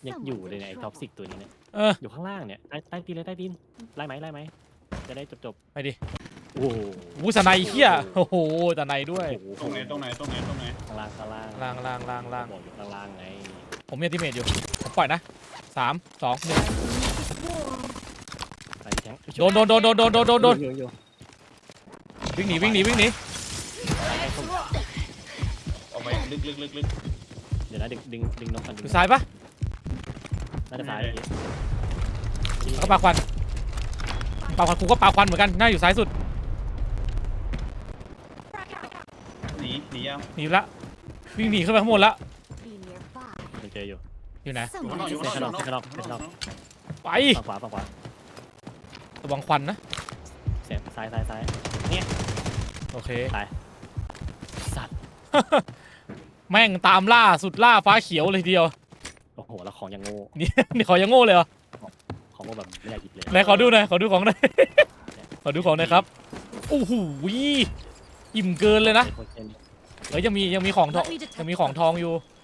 ยังอยู่เลยเนี่ยไอ้ท็อกซิกตัวนี้เนี่ย อยู่ข้างล่างเนี่ยใต้ตีนเลยใต้ตีนไล่ไหมจะได้จบไปดิโอ้โหวูสไนเฮียโอ้โหสไนด้วยตรงไหนข้างล่างบอกอยู่ข้างล่างไงผมมีอัลติเมทอยู่ผมปล่อยนะ3 2 1 ไปแจ็คโดนวิ่งหนีเอาไปลึกเดี๋ยวนะดึงนกกันอยู่ซ้ายปะน่าจะซ้ายแล้วก็ปาควันกูก็ปาควันเหมือนกันน่าอยู่ซ้ายสุดหนียังหนีละวิ่งหนีขึ้นไปข้างบนละยังเจออยู่อยู่ไหนอยู่ข้างนอกไปฝั่งขวาระวังควันนะเสียงซ้ายเนี่ยโอเคสัตว์แม่งตามล่าสุดล่าฟ้าเขียวเลยทีเดียวโอ้โหแล้วของยังโง่นี่ขอยังโง่เลยเหรอของโง่แบบไม่อยากหยิบเลยไหนขอดูหน่อยขอดูของหน่อย ขอดูของหน่อยครับโอ้โหอิ่มเกินเลยนะเฮ้ยยังมีของทองอยู่